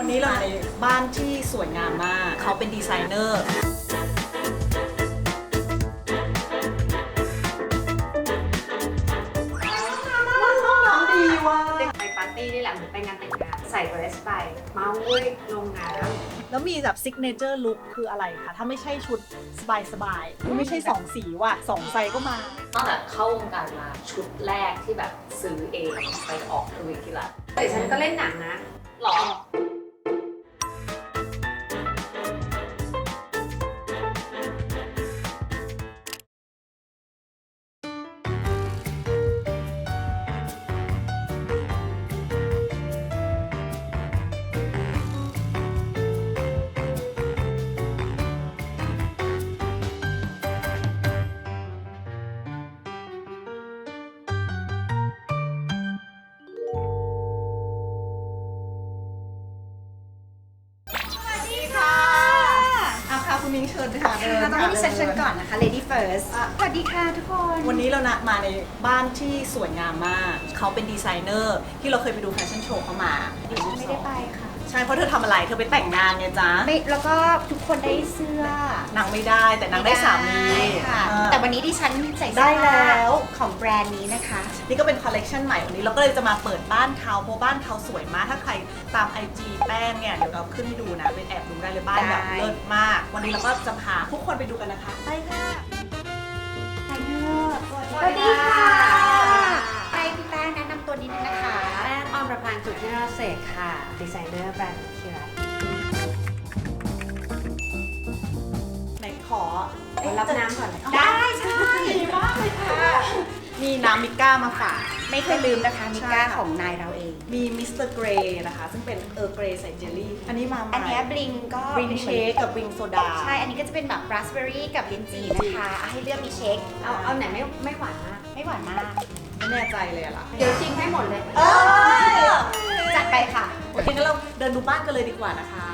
วันนี้เราในบ้านที่สวยงามมากเขาเป็นดีไซเนอร์น้องดีว่ะไปปาร์ตี้นี่แหละเหมือนไปงานแต่งงานใส่เดรสไปเมาเว้ยลงน้ำแล้วมีแบบซิกเนเจอร์ลุคคืออะไรคะถ้าไม่ใช่ชุดสบายๆไม่ใช่2สีว่ะ2ไซส์ก็มาตั้งแต่เข้าวงการมาชุดแรกที่แบบซื้อเองไปออกทวิตที่ละแต่ฉันก็เล่นหนังนะหรอคุณมิ้งเชิญค่ะเดินต้องให้ดิฉันเชิญก่อนนะคะ Lady First สวัสดีค่ะทุกคนวันนี้เรามาในบ้านที่สวยงามมากเขาเป็นดีไซเนอร์ที่เราเคยไปดูแฟชั่นโชว์เขามาดิฉันไม่ได้ไปค่ะใช่เพราะเธอทำอะไรเธอไปแต่งงานไงจ๊ะแล้วก็ทุกคนได้เสื้อนางไม่ได้แต่นางได้สามีค่ะแต่วันนี้ดิฉันใส่ได้แล้วของแบรนด์นี้นะคะนี่ก็เป็นคอลเลกชันใหม่วันนี้เราก็เลยจะมาเปิดบ้านเขาเพราะบ้านเขาสวยมากถ้าใครตาม IG แป้งเนี่ยเดี๋ยวเราขึ้นให้ดูนะเป็นแอบดูได้เลยบ้านแบบเลิศมากวันนี้เราก็จะพาทุกคนไปดูกันนะคะไปค่ะสวัสดีค่ะให้พี่แป้งแนะนำตัวนิดนึงนะคะแป้งออมประพันธ์สุทธิราเศษค่ะดีไซเนอร์แบรนด์คิรัตไหนขอรับน้ำก่อนได้ใช่ดีมากเลยค่ะมีน้ำมิก้ามาฝากไม่เคยลืมนะคะมิก้าของนายเราเองมีมิสเตอร์เกรย์นะคะซึ่งเป็นเกรย์ใส่เจลลี่อันนี้มาอันนี้บลิงก็บลิงเชคกับบลิงโซดาใช่อันนี้ก็จะเป็นแบบราสเบอร์รี่กับลิ้นจี่นะคะให้เลือกมีเชคเอาไหนไม่หวานมากไม่หวานมากไม่แน่ใจเลยล่ะเดี๋ยวชิมให้หมดเลยจัดไปค่ะโอเคงั้นเราเดินดูบ้านกันเลยดีกว่านะคะ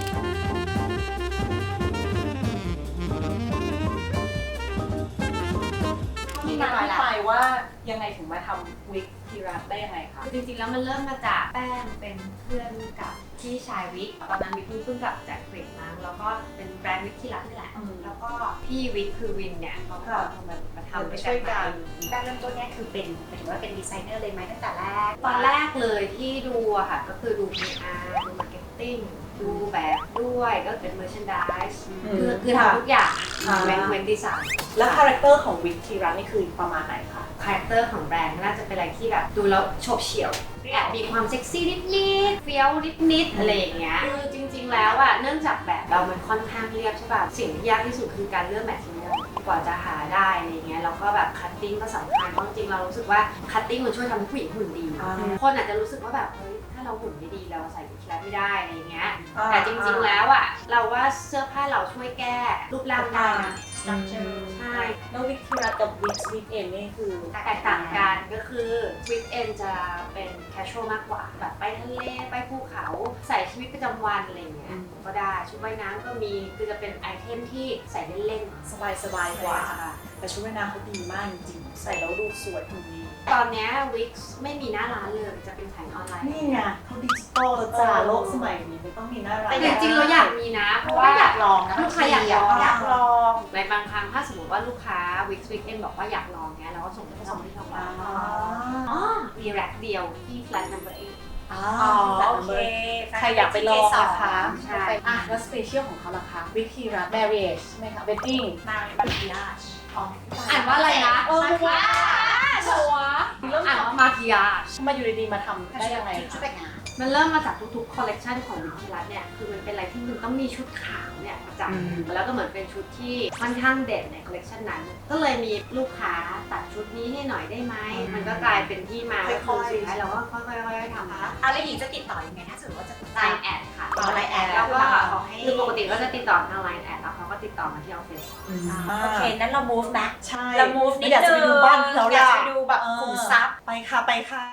ที่มาที่ไปว่ายังไงถึงมาทำวิกทีรัสได้ยังไงคะจริงๆแล้วมันเริ่มมาจากแป้งเป็นเพื่อนกับพี่ชายวิกตอนนั้นวิกเพิ่งกลับจากอังกฤษมาแล้วก็เป็นแบรนด์วิกทีรัสนี่แหละแล้วก็พี่วิกคือวินเนี่ยเขาก็มาทำไปช่วยกันแป้งเริ่มต้นเนี่ยคือเป็นถือว่าเป็นดีไซเนอร์เลยไหมตั้งแต่แรกตอนแรกเลยที่ดูอะค่ะก็คือดู PR ดู Marketing ดูแบบด้วยก็เป็น merchandise คือทำทุกอย่างเว้นดีไซน์แล้วคาแรคเตอร์ของวิกทีรัสนี่คือประมาณไหนคะคาแรคเตอร์ของแบรนด์น่าจะเป็นอะไรที่แบบดูแล้วโฉบเฉี่ยวแอบมีความเซ็กซี่นิดๆเฟี้ยวนิดๆอะไรอย่างเงี้ยคือจริงๆแล้วอะเนื่องจากแบบเรามันค่อนข้างเรียบใช่ป่ะสิ่งที่ยากที่สุดคือการเลือกแมทเทียลกว่าจะหาได้อะไรเงี้ยแล้วก็แบบคัตติ้งก็สำคัญเพราะจริงๆเรารู้สึกว่าคัตติ้งมันช่วยทำให้ผู้หญิงหุ่นดีคนอาจจะรู้สึกว่าแบบเฮ้ยถ้าเราหุ่นไม่ดีเราใส่วิกทีรัสไม่ได้อะไรเงี้ยแต่จริงๆแล้วอะเราว่าเสื้อผ้าเราช่วยแก้รูปร่างได้นะใช่แล้ววิกทีรัสกับวิกเอ็นนี่คือแตกต่างกันก็คือวิกเอ็นจะเป็นแคชชวลมากกว่าแบบไปทะเลไปภูเขาใส่ชีวิตประจำวันอะไรเงี้ยก็ได้ชุดว่ายน้ำก็มีคือจะเป็นไอเทมที่ใส่เล่นๆสบายกว่าแต่ชุดว่ายน้ำเขาดีมากจริงๆใส่แล้วดูสวยหุ่นดีตอนนี้วิกไม่มีหน้าร้านเลยจะเป็นขายออนไลน์นี่ไงเขาดิจิตอลแล้วจ้าโลกสมัยนี้ไม่ต้องมีหน้าร้านแต่จริงๆเราอยากมีนะเพราะว่าอยากลองลูกค้าอยากลองในบางครั้งถ้าสมมติว่าลูกค้าวิกเอ็นบอกว่าอยากลองเนี้ยเราก็ส่งไปที่ร้านมีแร็คเดียวที่ flat number 8โอเคใครอยากไปลองนะคะใช่แล้วสเปเชียลของเขาล่ะคะวิกทีรัส marriage ใช่ไหมคะ wedding มาคิอาชอ่านว่าอะไรนะมาคิอาชชัวอ่านว่ามาคิอาชมาอยู่ดีๆมาทำได้ยังไงมันเริ่มมาจากทุกๆคอลเลกชันของวิกทีรัสเนี่ยคือมันเป็นอะไรที่มันต้องมีชุดขาวเนี่ยประจำแล้วก็เหมือนเป็นชุดที่ค่อนข้างเด่นในคอลเลกชันนั้นก็เลยมีลูกค้าตัดชุดนี้ให้หน่อยได้ไหมมันก็กลายเป็นที่มาค่อยๆสุดท้ายเราก็ค่อยๆทำแล้วหญิงจะติดต่อยังไงถ้าสมมติว่าจะไลน์แอดค่ะไลน์แอดแล้วก็คือปกติก็จะติดต่อทางไลน์แอดแล้วเขาก็ติดต่อมาที่ออฟฟิศโอเคนั้นเรา move นะใช่เรา move นิดนึงอยากจะไปดูบ้านเราอยากไปดูแบบขุมทรัพย์ไปค่ะ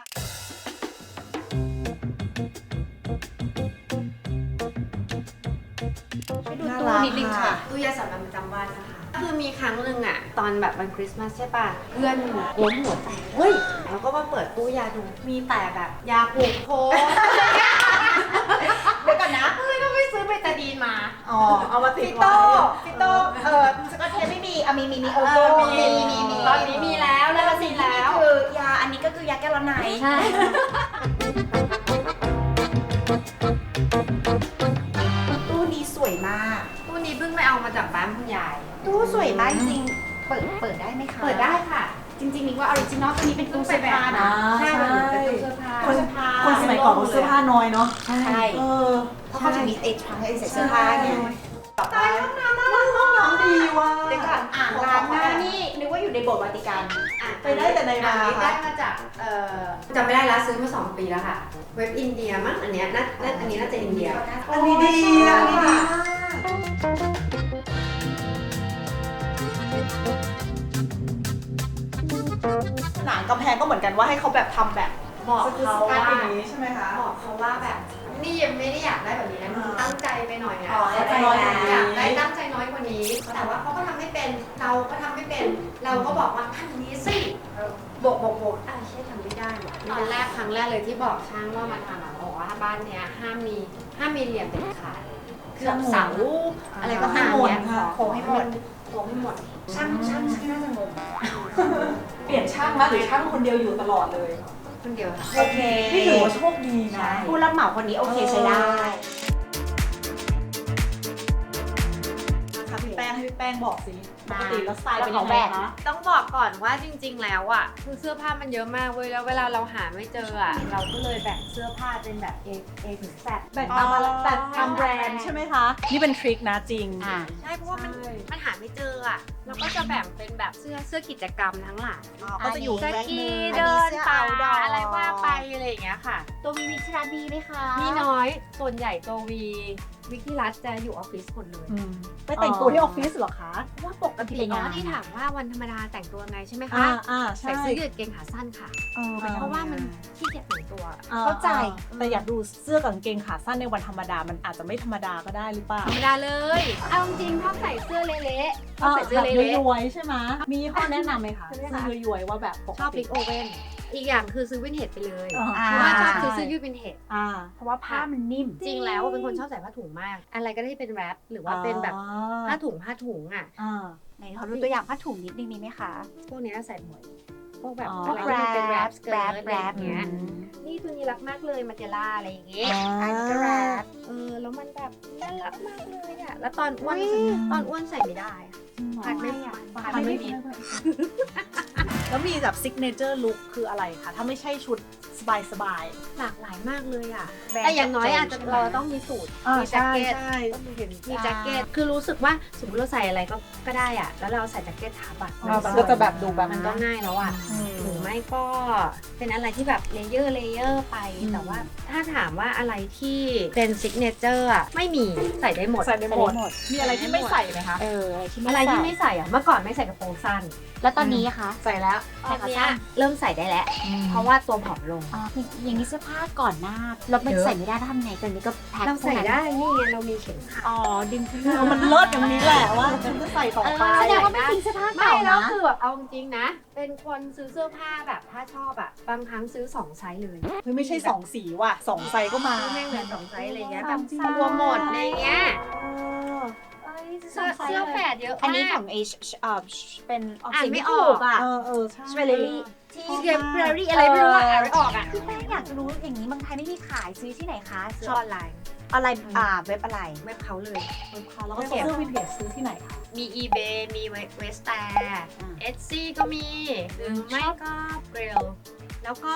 ดูตู้นิดนึงค่ะตู้ยาสามัญประจำบ้านนะคะคือมีครั้งหนึ่งอะตอนแบบวันคริสต์มาสใช่ป่ะเพื่อนล้มหัวแตกเฮ้ยแล้วก็มาเปิดตู้ยาดูมีแต่แบบยาผูกโพเดี๋ยวก่อนนะเอามาติดพี่ไว้โต้สกอตเทปไม่มีมีโอโก้มีตอนนี้มีแล้วแล้วมีสิ่งแล้ที่วคือยาอันนี้ก็คือยาแก้ร้อนในใช่ตู้นี้สวยมากตู้นี้เพิ่งไปเอามาจากบ้านคุณยายตู้สวยมากจริงๆเปิดได้ไหมคะเปิดได้ค่ะจริงๆนี่ว่าออริจินอลตัวนี้เป็นตู้เสื้อผ้านะใช่มันเป็นตู้เสื้อผ้าคนสมัยก่อนเสื้อผ้าน้อยเนาะใช่ เพราะเขาจะมีทรังให้ใส่เสื้อผ้าไงตายห้องน้ำน่ารักห้องน้ำดีว่ะเดี๋ยวก่อนอ่างล้างหน้านี่นึกว่าอยู่ในโบสถ์วาติกันไปได้แต่ในนาได้มาจากจำไม่ได้แล้วซื้อมา2 ปีแล้วค่ะ เว็บอินเดียมั้งอันเนี้ยอันนี้น่าจะอินเดียอันนี้ดีอันนี้ดีมากหนังกำแพงก็เหมือนกันว่าให้เขาแบบทำแบบบอกเขาว่าอย่างนี้ใช่ไหมคะบอกเขาว่าแบบนี่ยังไม่ได้อยากได้แบบนี้นะมึงตั้งใจไปหน่อยนะอ๋อตั้งใจอยากได้ตั้งใจน้อยกว่านี้ แต่ว่าเขาก็ทำไม่เป็นเราก็ทำไม่เป็นเราก็บอกว่าทำอย่างนี้สิบอกใช่ทำไม่ได้หรอกตอนแรกครั้งแรกเลยที่บอกช่างว่ามาทำบอกว่าบ้านเนี้ยห้ามมีเหลี่ยมเด็ดขาดคือแบบเสาอะไรก็ตามเนี้ยโค้งให้หมดโค้งให้หมดช่างน่าจะงงเปลี่ยนช่างมาหรือช่างคนเดียวอยู่ตลอดเลยคนเดียวค่ะโอเคนี่ถือว่าโชคดีนะผู้รับเหมาคนนี้โอเคใช้ได้ค่ะพี่แป้งให้พี่แป้งบอกสิปกติแล้วสไตล์เป็นขยัองงแบไงบคะต้องบอกก่อนว่าจริง ๆ แล้วอ่ะคือเสื้อผ้ามันเยอะมากเว้ยแล้วเวลาเราหาไม่เจออ่ะเราก็เลยแบ่งเสื้อผ้าเป็นแบบ A ถึง Z แบ่งตามอะไรแต่ตามแบรนด์ใช่ไหมคะ นี่เป็นทริคนะจริงใช่เพราะว่ามันหาไม่เจออ่ะเราก็จะแบ่งเป็นแบบเสื้อกิจกรรมทั้งหลายก็จะอยู่สแบรนด์กีหนึ่งเดินป่าอันนี้เสื้อ outdoor อะไรว่าไปอะไรอย่างเงี้ยค่ะตัวมีวิชาดีไหมคะมีน้อยส่วนใหญ่ตัววิกที่รัฐจะอยู่ออฟฟิศหมดเลยไปแต่งตัวที่ออฟฟิศเหรอคะเพราะว่าปกติอ๋อที่ถามว่าวันธรรมดาแต่งตัวไงใช่ไหมคะใช่ใส่เสื้อยืดเกงขาสั้นค่ะ เพราะว่ามันขี้เกียจแต่งตัวเข้าใจแต่อยากดูเสื้อกับกางเกงขาสั้นในวันธรรมดา มันอาจจะไม่ธรรมดาก็ได้หรือเปล่าธรรมดาเลย เอาจริงๆชอบใส่เสื้อเละๆชอบใส่เสื้อแบบเละย้อยๆใช่ไหมมีข้อแนะนำไหมคะใช่เสื้ไหมคะอย้อยๆว่าแบบปกๆชอบติลิกโอเว่นอีกอย่างคือซื้อวินเทจไปเลยอ่าเพราะว่าชอบซื้อเสื้อยืดวินเทจเพราะว่าผ้ามันนิ่มจริงแล้วเป็นคนชอบใส่ผ้าถุงมาก อะไรก็ได้ที่เป็นแรปหรือว่าเป็นแบบผ้าถุงอ่ะไหนขอดูตัวอย่างผ้าถุงนิดนึงมีไหมคะพวกเนี้ยใส่บ่อยพวกแบบอ๋ออะไรที่มันเป็นแรปสเกิร์ตอะไรแรอปย่างเงี้ยนี่ตัวนี้รักมากเลยมาเจล่าอะไรอย่างเงี้ยอันนี้ก็แรปแล้วมันแบบน่ารักมากเลยอ่ะแล้วตอนอ้วนใส่ไม่ได้อะพัดไม่พัดไม่มี แล้วมีแบบซิกเนเจอร์ลุคคืออะไรคะ ถ้าไม่ใช่ชุดสบายหลากหลายมากเลยอ่ะแบรนด์แต่อย่างน้อยอาจจะใช่ไหมเราต้องมีสูทๆมีแจ็คเก็ตใช่เห็นมีแจ็คเก็ต คือรู้สึกว่าสมมติเราใส่อะไรก็ได้อ่ะ แล้วเราใส่แจ็คเก็ตทับอ่ะมันก็จะแบบดูแบบมันก็ง่ายแล้วอ่ะ หรือไม่ก็เป็นอะไรที่แบบเลเยอร์ไป แต่ว่าถ้าถามว่าอะไรที่เป็นซิกเนเจอร์อ่ะไม่มีใส่ได้หมดใส่ได้หมด มีอะไรที่ไม่ใส่ไหมคะอะไรที่ไม่ใส่อ่ะ เมื่อก่อนไม่ใส่กระโปรงสั้นแล้วตอนนี้คะใส่แล้วตอนเนี้ยเริ่มใส่ได้แล้ว เพราะว่าตัวผอมลงอย่างนี้เสื้อผ้าก่อนหน้าแล้วมันใส่ไม่ได้ทำไงตอนนี้ก็แพ็คเราใส่ได้ นี่ไงเรามีเข็มขัดดึงขึ้นมันเลิศอย่างนี้แหละว่าฉันจะใส่ต่อไปแสดงว่าไม่ทิ้งเสื้อผ้าไม่เก่าแล้วนะคือแบบเอาจริงๆนะ เป็นคนซื้อเสื้อผ้าแบบถ้าชอบอ่ะ บางครั้งซื้อ2ไซส์เลยเฮ้ยไม่ใช่2สีว่ะ2ไซส์ก็มาซื้อแม่งเหลือ2ไซส์อะไรเงี้ยแบบจริงรวมหมดอะไรเงี้ยสองไซส์เสื้อแฝดเยอะอันนี้มากของเป็นออกอ่านเสียงไม่ไม่อถูอกกอ่ะใช่สเวลลี่ที่เรียนเพลรี่อะไรไม่รู้อ่ะอ่านไม่ออกอ่ะพี่แป้งอยากจะรู้อย่างนี้เมืองไทยไม่มีขายซื้อที่ไหนคะซื้อออนไลน์อะไรเว็บอะไรเว็บเขาเลยแล้วก็เสื้อวินเทจซื้อที่ไหนคะมี eBay มีเวสแต่ Etsy ก็มี หรือไม่ก็เกรลแล้วก็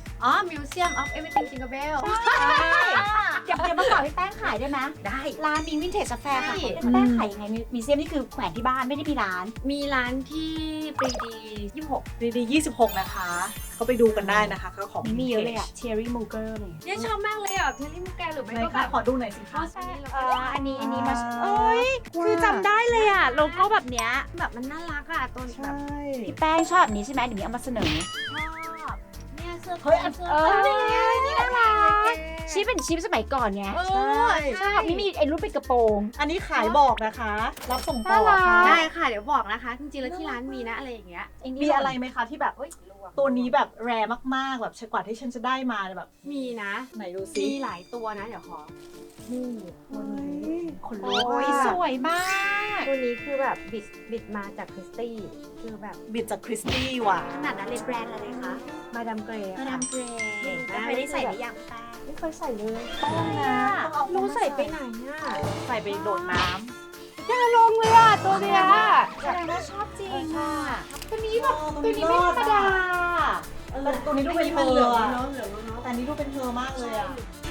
Museum of Everything Jingle Bell เดี๋ยวมาสอนพี่แป้งขายได้ไหมได้ร้านมีวินเทจแฟร์ค่ะใช่พี่แป้งขายยังไงมีเซียมนี่คือแขวนที่บ้านไม่ได้มีร้านมีร้านที่ปรีดี26 ดี26 นะคะ ก็ไปดูกันได้นะคะก็ของนี่มีเยอะเลยอะเชอรี่มูเกอร์เลยเนี่ยชอบมากเลยอ่ะเทลลี่มูแกหรือไม่ไหนก็แบคะบขอดูหน่อยสิคะอันนี้มาโอ้ยคือจำได้เลยอะโลโก้แบบเนี้ยแบบมันน่ารักอ่ะตัวแบบพี่แป้งชอบแบบนี้ใช่ไหมเดี๋ยวนี้เอามาเสนอชอบเนี่ยเสื้อเฮ้ยเสื้อนี่น่ารักชิปเป็นชิปสมัยก่อนไง ชอบนี่มีไอ้รูปเป็นกระโปรงอันนี้ขายบอกนะคะ รับส่งต่อน่ารัค่ะกได้ค่ะเดี๋ยวบอกนะคะ จริงๆแล้วที่ร้านมีนะอะไรอย่างเงี้ยมีอะไรไหมคะที่แบบเอ้ยตัวนี้แบบแรร์มากๆแบบกว่าที่ฉันจะได้มาแบบมีนะไหนดูซิมีหลายตัวนะเดี๋ยวขอนี่คขนโอ้ลุกยอะสวยมากตัวนี้คือแบบบิดมาจากคริสตี้คือแบบบิดจากคริสตี้ว่ะขนาดนั้นเลยแบรนด์อะไรคะ มาดามเกรย์มาดามเกรย์เคยได้ใส่หรือยังแป้งไม่เคยใส่เลยต้องนะต้องเอารู้ใส่ไปไหนอ่ะใส่ไปโดดน้อย่าลงเลยอ่ะตัวเนี้ยแสดงว่าชอบจริงอ่ะตัวนี้แบบตัวตัวนี้นี้ไม่ธรรมดาแต่ตัวนี้ดูเป็นเธมันอเหลืองอะเนาะเหลืองเนาะแต่อันนี้ดูเป็นเธอมากเลยอ่ะ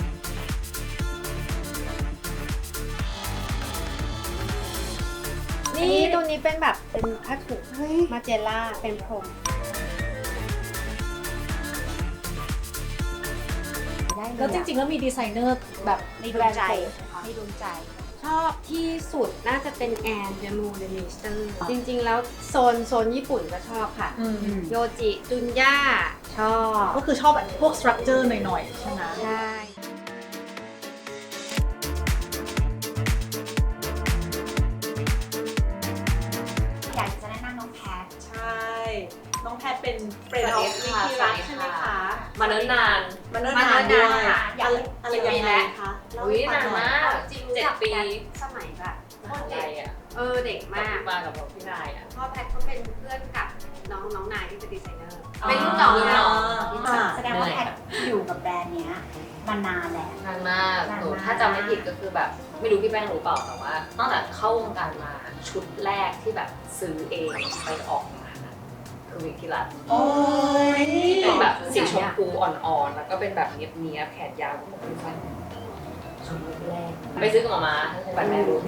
นี่ตัวนี้เป็นแบบเป็นผ้าถุงมาเจล่าเป็นพรมได้เลยแล้วจริงๆแล้วมีดีไซเนอร์แบบในดวงใจในดวงใจ ชอบที่สุดน่าจะเป็นแอนเดมูเดมิสเตอร์จริงๆแล้วโซนญี่ปุ่นก็ชอบค่ะ โยจิจุนย่าชอบก็คือชอบแบบพวกสตรัคเจอร์หน่อยๆใช่ไหมใช่อยากจะแนะนำน้องแพทใช่ น้องแพทเป็นเฟรนด์ออฟสวิวัสคิดีรัค่ะกใช่ไหมคะมาเนิ่นนานมันเนิ่นนานด้วยอยากอะไรกี่ปียังไงแล้วคะเล่อุ้ยให้ฟันาง นหอยมากจริง 7 ปีสมัยแบบมหาลัยอ่ะเด็กมากมากับพี่นายอ่ะพ่อแพทเขาเป็นเพื่อนกับน้องนายที่เป็นดีไซเนอร์อ๋อเป็นรุ่นน้องรุ่นน้องแสดงว่าแพทอยู่กับแบรนด์เนี้ยมานานแล้วนานมากหนูถ้าจำไม่ผิดก็คือแบบไม่รู้พี่แป้งรู้เปล่าแต่ว่าตั้งแต่เข้าวงการมาชุดแรกที่แบบซื้อเองไปออกงานอะคือวิกิรัตโอ้ยเป็นแบบสีชมพูอ่อนๆ แล้วก็เป็นแบบเนียบๆแขนยาวของพี่แป้งชุดแรกไปซื้อกับมาแบรนด์แม่รู้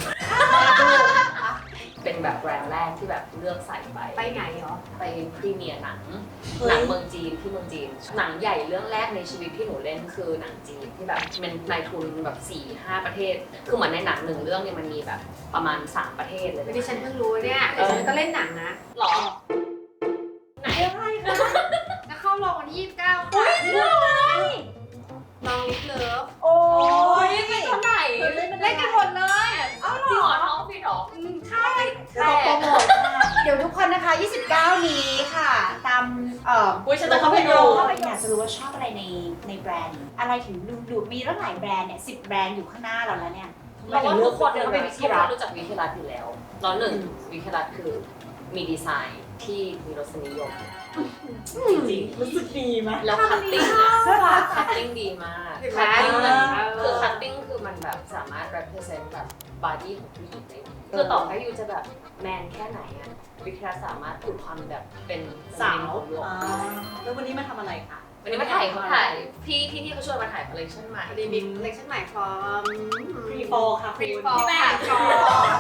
เป็นแบบแบรนด์แรกที่แบบเลือกใส่ไปไปไหนเหรอไปพรีเมียร์หนังเมืองจีนที่เมืองจีน หนังใหญ่เรื่องแรกในชีวิตที่หนูเล่นคือหนังจีนที่แบบเป็นนายทุนแบบ 4-5 ประเทศ คือเหมือนในหนังหนึ่งเรื่องเนี่ยมันมีแบบประมาณ 3 ประเทศเลยดิฉันเพิ่งรู้เนี่ยดิฉันก็เล่นหนังนะหรอไหนอะไรคะจะเข้าโรงวันที่29ค่ะลองลิฟเลิฟโอ้ยเป็นตัวไหนเล่นกันหมดเลยจริงเหรอท้องพี่หรอใช่เราโปรโมทเดี๋ยวทุกคนนะคะ 29 นี้ค่ะ ตามอุ้ยฉันจะเข้าไปดูอยากจะรู้ว่าชอบอะไรในแบรนด์ อะไรถึงดูมีตั้งหลายแบรนด์เนี่ย10 แบรนด์อยู่ข้างหน้าเราแล้วเนี่ยเพราะว่าทุกคนเนี่ยทำไมถึงเลือกทุกคนรู้จักวิทยาลัยอยู่แล้วแล้วหนึ่งวิทยาลัยคือมีดีไซน์ที่มีรสนิยมจริงๆรู้สึกดีไหมแล้วคัตติ้งคัตติ้งดีมากคัตติ้งคือคัตติ้งคือมันแบบสามารถ represent แบบ body ของผู้หญิงได้คือต่อให้ยูจะแบบแมนแค่ไหนอะวิทยาสามารถปลุกความแบบเป็นสาวแล้ววันนี้มาทำอะไรคะวันนี้มาถ่ายพี่เขาชวนมาถ่ายคอลเลคชันใหม่รีมิกเลคชั่นใหม่ฟอร์มฟรีฟอลค่ะฟรีคุณฟอร์พี่แป้งฟอร์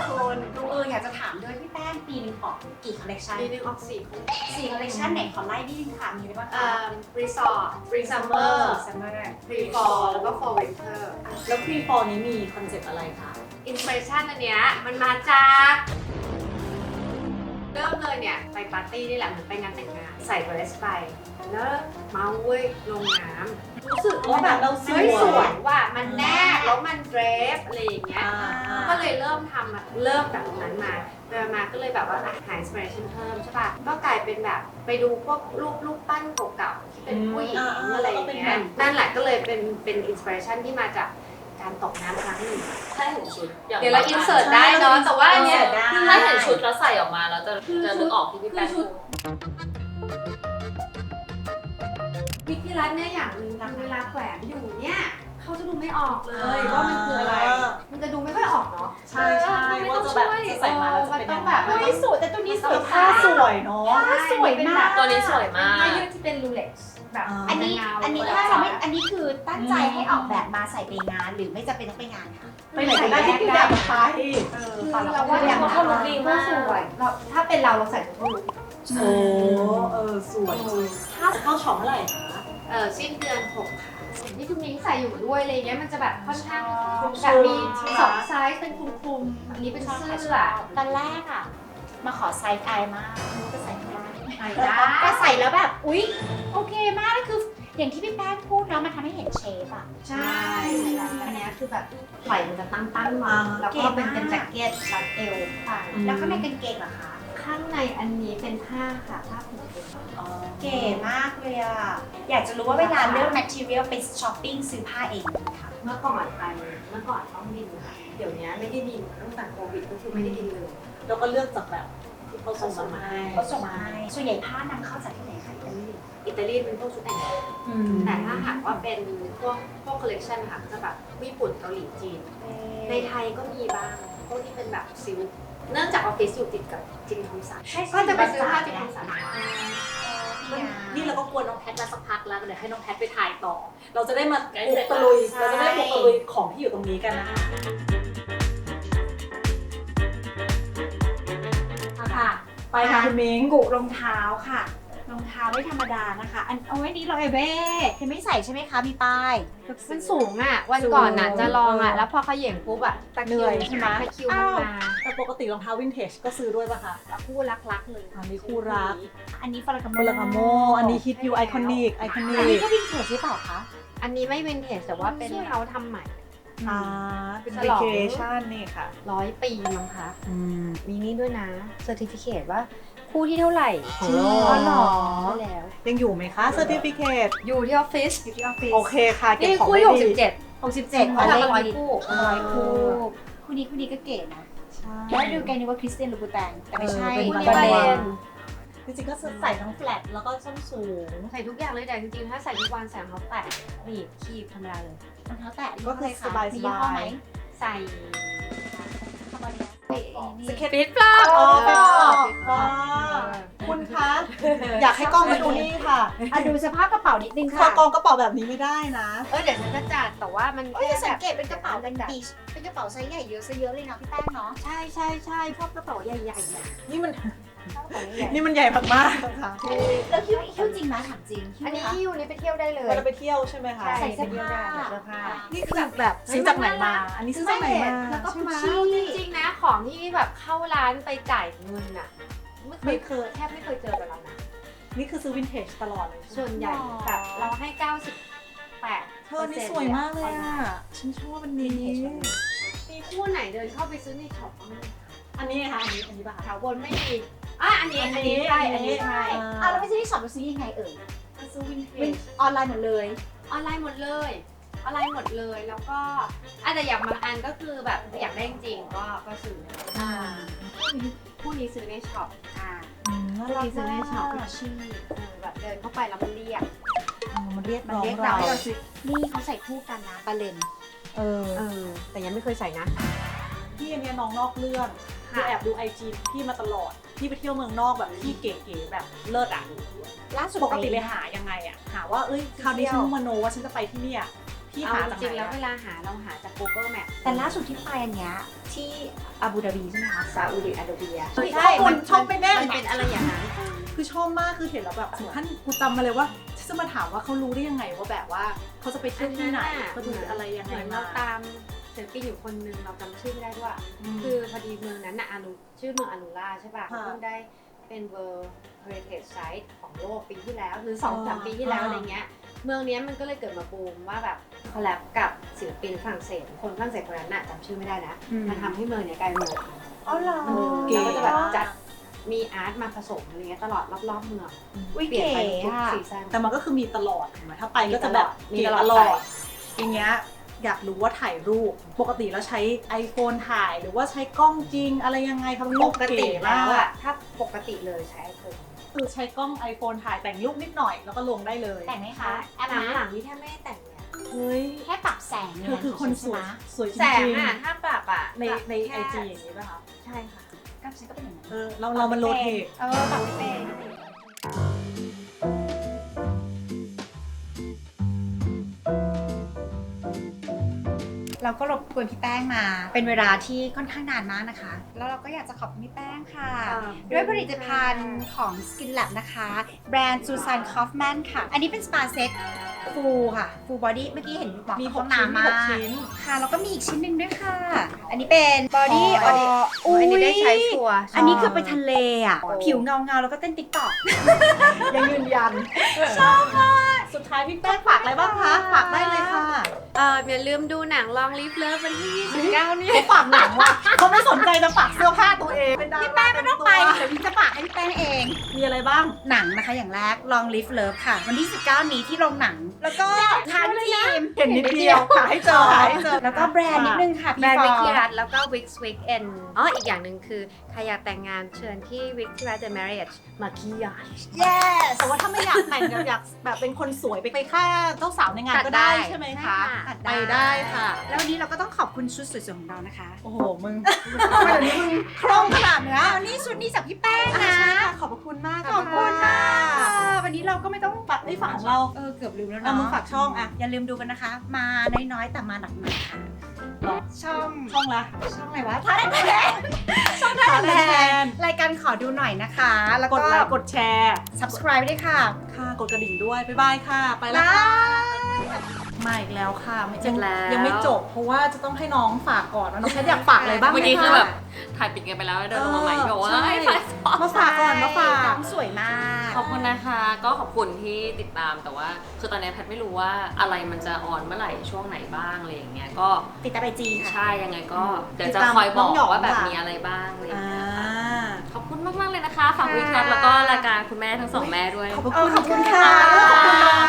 คุณอยากจะถามด้วยพี่แป้งปีนึงออกกี่คอลเลคชันปีนึงออก4 4คอลเลคชันไหนขอไล่นิดนึงค่ะมีอะไรบ้างคะรีสอร์ทฟรีซัมเมอร์ซัมเมอร์ฟรีฟอร์แล้วก็ฟอร์วินเทอร์แล้วฟรีฟอลนี้มีคอนเซ็ปต์อะไรคะอินสปิเรชันอันเนี้ยมันมาจากเริ่มเลยเนี่ยไปปาร์ตี้นี่แหละเหมือนไปงานแต่งงานใส่เดรสไปแล้วเมาเว้ยลงน้ำรู้สึกว่าแบบเราสเฮ้ยสววย ยว่ะมันแนบแล้วมันเดรฟอะไรอย่างเงี้ยก็เลยเริ่มทำอะเริ่มจากตรงนั้นมามาก็เลยแบบว่าหาอินสปิเรชันเพิ่มใช่ป่ะก็กลายเป็นแบบไปดูพวกรูปปั้นเก่าๆที่เป็นผู้หญิงอะไรอย่างเงี้ยนั่นแหละก็เลยเป็นอินสปิเรชันที่มาจากการตกน้ำครั้งหนึ่งถ้าเห็นชุดเดี๋ยวเราอินเสิร์ตได้เนาะแต่ว่าอันเนี้ยถ้าเห็นชุดแล้วใส่ออกมาแล้วจะนึกออกที่พี่แป้งพูดวิธีรัตน์เนี่ยอย่างหนึ่งคือเวลาแขวนอยู่เนี่ยเขาจะดูไม่ออกเลยว่ามันคืออะไร มันจะดูไม่ค่อยออกเนาะใช่ว่าจะแบบจะใส่มาแล้วจะเป็นต้ยัองงแบไงบเฮ้ยสวยแต่ตัวนี้สวยผ้าสวยเนาะสวยมากตัวนี้สวยมากผ้ายืดที่เป็นรูเล็กซ์แบบอันนี้เงาอันนี้ถ้าเราไม่อันนี้คือตั้งใจให้ออกแบบมาใส่ไปงานหรือไม่จำเป็นต้องไปงานค่ะไปไหนก็ได้ที่พี่แบบไปคือเราว่าอย่างนั้นเราดีมากสวยเราถ้าเป็นเราใส่ทุกลุคโอ้สวยถ้าจะเข้าช็อปเมื่อไหร่คะสิ้นเดือน6ค่ะสิ่งที่คุณมิ้งใส่อยู่ด้วยอะไรเงี้ยมันจะแบบค่อนข้างคลุมแบบมี2ไซส์เป็นคลุมๆอันนี้เป็นเสื้อตอนแรกอ่ะมาขอไซส์ไอมากรู้จะใส่ไม่ได้ใส่ได้ก็ใส่แล้วแบบอุ๊ยโอเคมากแล้วคืออย่างที่พี่แป้งพูดเนาะมันทำให้เห็นเชฟอ่ะใช่อันเนี้ยคือแบบไหล่มันจะตั้งมาแล้วก็เป็นแจ็คเก็ตรัดเอวแล้วข้างในกางเกงเหรอคะขข้างในอันนี้เป็นผ้าค่ะผ้าผืนเดียวเก๋มากเลยอ่ะ อยากจะรู้ว่าเวลาเลือก material ไปช้อปปิ้งซื้อผ้าเองไหมคะเมื่อก่อนต้องบินค่ะเดี๋ยวนี้ไม่ได้บินตั้งแต่โควิดก็คือไม่ได้บินเลยแล้วก็เลือกจากแบบที่เขาส่งมาให้เขาส่งมาให้ส่วนใหญ่ผ้านำเข้าจากที่ไหนคะอิตาลีอิตาลีเป็นพวกชุดแต่งงานแต่ถ้าหากว่าเป็นพวกคอลเลกชันค่ะก็จะแบบญี่ปุ่นเกาหลีจีน ในไทยก็มีบ้างพวกที่เป็นแบบซิลค์เนื่องจากออฟฟิศอยู่ติดกับจิมทอมสันก็จะไปซื้อผ้าจิมทอมสันนี่เราก็กวนน้องแพทมาสักพักแล้วเดี๋ยวให้น้องแพทไปถ่ายต่อ เราจะได้มาบุกตะลุยเราจะได้บุกตะลุยของที่อยู่ตรงนี้กันนะคะค่ะไปค่ะคุณมิ้งกุรองเท้าค่ะรองเท้าไม่ธรรมดานะคะอันเอาไว้นี้เราเบ้เห็นไม่ใส่ใช่ไหมคะมีป้ายมันสูงอ่ะวันก่อนน่ะจะลองอ่ะแล้วพอเขาเหย่งปุ๊บอ่ะตะเหนื่อยใช่ไหมตะคิวมันมาแต่ปกติรองเท้าวินเทจก็ซื้อด้วยป่ะคะคู่รักๆเลยอันนี้คู่รักอันนี้ฟาราคาโมโมลากาโมอันนี้ฮิตยูไอคอนิกอันนี้ก็วินเทจใช่เปล่าคะอันนี้ไม่วินเทจแต่ว่าเป็นเขาทำใหม่เป็นฉลอง vacation นี่ค่ะ 100 ปีมั้งคะมีนี่ด้วยนะเซอร์ติฟิเคตว่าคู่ที่เท่าไหร่ของโลกอ๋อเหรอใช่แล้วยังอยู่ไหมคะ certificate อยู่ที่ออฟฟิศอยู่ที่ออฟฟิศโอเคค่ะเก็บนี่ของคู่ได้ที่ดี 67 67 เขาเลทำมาข 100 คู่ 100 คู่คู่นี้ก็เก๋นะใช่แล้วดูแกนึกว่าคริสเตียนลูบูแตงแต่ไม่ใช่เป็นคู่นี้บาบาเลเลนนจริงๆก็ใส่ทั้งแฟลตแล้วก็ส้นสูงใส่ทุกอย่างเลยแต่จริงๆถ้าใส่ทุกวันใส่รองเท้าแตะหนีบคีบธรรมดาเลยรองเท้าแตะก็คือสบายๆมียี่ห้อไหมใส่คาร์บอนไดนี่สเก็ตฟิตปลาอ๋อฟิตปลาอ๋อคุณคะ อยากให้กล้องมาดูนี่ค่ะอ่ะดูสภาพกระเป๋านิดนึงพอค่ะกองกระเป๋าแบบนี้ไม่ได้นะเดี๋ยวฉันจะจัดแต่ว่ามันโอ้ยแค่สังแบบเกตเป็นกระเป๋าเป็นบีชเป็นกระเป๋าไซส์ใหญ่เยอะซะเยอะเลยนะพี่แป้งเนาะใช่ใช่ใช่ชอบกระเป๋าใหญ่ๆอ่ะนี่มันชอบกระเป๋าใหญ่นี่มันใหญ่มากๆค่ะแล้วคิ้วจริงไหมถามจริงๆอันนี้ที่อยู่นี่ไปเที่ยวได้เลยเวลาไปเที่ยวใช่ไหมคะใช่ใส่เสื้อผ้าใส่เสื้อผ้านี่คือแบบซื้อจากไหนมา อันนี้ซื้อจากไหนมาแล้วก็ใช่ไหมชี่จริงๆนะของที่แบบเข้าร้านไปจ่ายเงินอ่ะไม่เคยแทบไม่เคยเจอกับเรานะนี่คือซื้อวินเทจตลอดเลยส่วนใหญ่แบบเราให้ 98 เธอนี่สวยมากเลยอ่ะ ฉันชอบอันนี้มีคู่ไหนเดินเข้าไปซื้อในช็อปบ้างไหมอันนี้ค่ะอันนี้ป่ะแถคะวบนไม่มีอันนี้ใช่ อันนี้ใช่อ่ะแล้วไม่ใช่ที่ช็อปเราซื้อยังไงเอ่ยซื้อวินเทจออนไลน์หมดเลยออนไลน์หมดเลยออนไลน์หมดเลยแล้วก็อาจจะอย่างบางอันก็คือแบบอยากได้จริงๆก็ซื้อคู่นี้ซื้อในช็อปน่าคู่รักนี้ซื้อในช็อปมากชื่อแบบเดินเข้าไปแล้วมันเรียกมันเรียกมันน้องเรียกเราเรานี่เขาใส่คู่กันนะบาเลนเออแต่ยังไม่เคยใส่นะพี่อันเนี้ยน้องนอกเรื่องพี่แอบดูไอจีพี่มาตลอด พี่ไปเที่ยวเมืองนอกแบบพี่เก๋ๆแบบเลิศอ่ะล่าสุดปกติไปหายังไงอ่ะ หาว่าเอ้ยคราวนี้ฉันมโนว่าฉันจะไปที่เนี่ย พี่เอาหาจจากริงๆไหนแล้วอะเวลาหาเราหาจาก Google Map แต่ล่าสุดที่ไปอันเนี้ยที่อาบูดาบีใช่ไหมคะซาอุดิอาระเบียเฮ้ยข้อมูลชอบไม่แน่มันเป็นอะไรอย่างนั้นคือชอบมากคือเห็นแล้วแบบถึงขั้นกูจำมาเลยว่าฉันจะมาถามว่าเขารู้ได้ยังไงว่าแบบว่าเขาจะไปเที่ยวที่ไหนเขาดูอะไรยังเหไงมือนเราตามศิลปินอยู่คนนึงเราจำชื่อไม่ได้ด้วย คือพอดีเมืองนั้นน่ะชื่อเมืองอารูล่าใช่ป่ะเพิ่งได้เป็น World Heritage Site ของโลกปีที่แล้วหรือ 2-3 ปีที่แล้วอะไรเงี้ยเมืองนี้มันก็เลยเกิดมาบูมว่าแบบคอลแลบกับศิลปินฝรั่งเศสคนฝรั่งเศสคนนั้นน่ะจำชื่อไม่ได้นะมันทำให้เมืองเนี้ยกลายเป็นเมืองอ๋อเหรอเราก็จะแบบจัดมีอาร์ตมาผสมอะไรเงี้ยตลอดรอบๆเมืองอุ้ยเปลี่ยนเก๋ไปทุกอะซีซั่นแต่มันก็คือมีตลอดถูกไหมถ้าไปก็จะแบบมีเก๋ตลอดตลอดอย่างเงี้ยอยากรู้ว่าถ่ายรูปปกติแล้วใช้ iPhone ถ่ายหรือว่าใช้กล้องจริงอะไรยังไงครับรูปปกติเก๋แล้มาว กอะถ้าปกติเลยใช้ไอโฟนคือใช้กล้อง iPhone ถ่ายแต่งรูปนิดหน่อยแล้วก็ลงได้เลยแต่งไหมคะแอปหลังนะหลังๆนี่แทบไม่ได้แต่งเลยอะเฮ้ยแค่ปรับแสงเธอคือคนสวยสวยจแสงริงอะถ้าปรับอะๆในปรับไอแค่จีอย่างนี้ป่ะคะใช่ค่ะกับฉันก็เป็นอย่างนั้นเรามันโรเทตปรับไม่เป็นเราก็รบกวนพี่แป้งมาเป็นเวลาที่ค่อนข้างนานมากนะคะ แล้วเราก็อยากจะขอบคุณพี่แป้งค่ะ ด้วยผลิตภัณฑ์ของ Skin Lab นะคะ แบรนด์ Susan Kaufman ค่ะ อันนี้เป็นสปาเซ็ตฟูค่ะฟูบอดี้เมื่อกี้เห็นบอกมีห้อง 6 ชิ้นน้ำมีมา 6 ชิ้นค่ะแล้วก็มีอีกชิ้นหนึ่งด้วยค่ะ อันนี้เป็นบอดี้ Body อันนี้ได้ใช้ชัวร์อันนี้คือไปทะเลอ่ะ ผิวเงาแล้วก็เต้นติ๊กต็อกยังยืนยันชอบค่ะสุดท้ายพี่แป้งฝากอะไรบ้างคะฝากได้เลยค่ะอย่าลืมดูหนัง Long Live Love วันที่ 29 นี่เขาฝากหนังว่ะเขาไม่สนใจจะฝากเสื้อผ้าตัวเองเป็นดาราพี่แป้งไม่ต้องไปเดี๋ยวพี่จะฝากให้พี่แป้งเองมีอะไรบ้างหนังนะคะอย่างแรก Long Live Love ค่ะ วันที่ 19 นี้ที่โรงหนัง แล้วก็ทานทีมเห็นนิดเดียวหาให้เจอหาให้เจอแล้วก็แบรนด์นิดนึงค่ะแบรนด์พี่วิฟกอกี้ร์รัตแล้วก็ Wix Weekend อีกอย่างหนึ่งคือใครอยากแต่งงานเชิญที่ Wix ที่รัต The Marriage Maquillage yes แต่ว่าถ้าไม่อยากแต่งอยากแบบเป็นคนสวยไปฆ่าเจ้าสาวในงานก็ได้ตัดได้ใช่ไหมใช่คะค่ะตัดไปได้ค่ะแล้ววันนี้เราก็ต้องขอบคุณชุดสวยๆของเรานะคะโอ้โหมึงทำไมเดี๋ยวนี้มึงคล่องขนาดเนี้ยอ้าวนี่ชุดนี้จากพี่แป้งใช่นะค่ะขอบพระคุณมากขอบคุณมากค่ะวันนี้เราก็ไม่ต้องฝากได้ฝากของเราเกือบลืมแล้วเอาเนาะมึงฝากช่องอะอย่าลืมดูกันนะคะ มาน้อยๆแต่มาหนักๆค่ะหรอช่องช่องละช่องอะไรวะท่าแทนช่องท่าแทนรายการขอดูหน่อยนะคะ แล้วกก็ดไลค์กดแชร์ subscribe ด้วยค่ะค่ะกดกระดิ่งด้วยบ๊ายบายค่ะ ไปแล้วบาค่ะยมาอีกแล้วค่ะไม่เสร็จแล้วยังไม่จบ เพราะว่าจะต้องให้น้องฝากก่อนว่าน้องแพทอยากฝากอะไรบ้างไหมเมื่อกี้คะคือแบบถ่ายปิดกันไปแล้วเดินลงมาใหม่บอกว่าใช่ให้ถ่ายต่อมาฝากก่อนมาฝากน้องสวยมากขอบคุณนะคะ ก็ขอบคุณที่ติดตามแต่ว่าคือตอนนี้แพทไม่รู้ว่าอะไรมันจะออนเมื่อไหร่ช่วงไหนบ้างอะไรอย่างเงี้ยก็ติดตามไอจีค่ะใช่ยังไงก็เดี๋ยวติดจะตามคอยบอน้อกงหยองว่าแบบค่ะมีอะไรบ้างอะไรอย่างอ่าเงี้ยค่ะขอบคุณมากๆเลยนะคะฝากวิคัทแล้วก็รายการคุณแม่ทั้งสองแม่ด้วยขอบพระขอบคุคุณ ณค่ะค่ะขอบคุณน้อง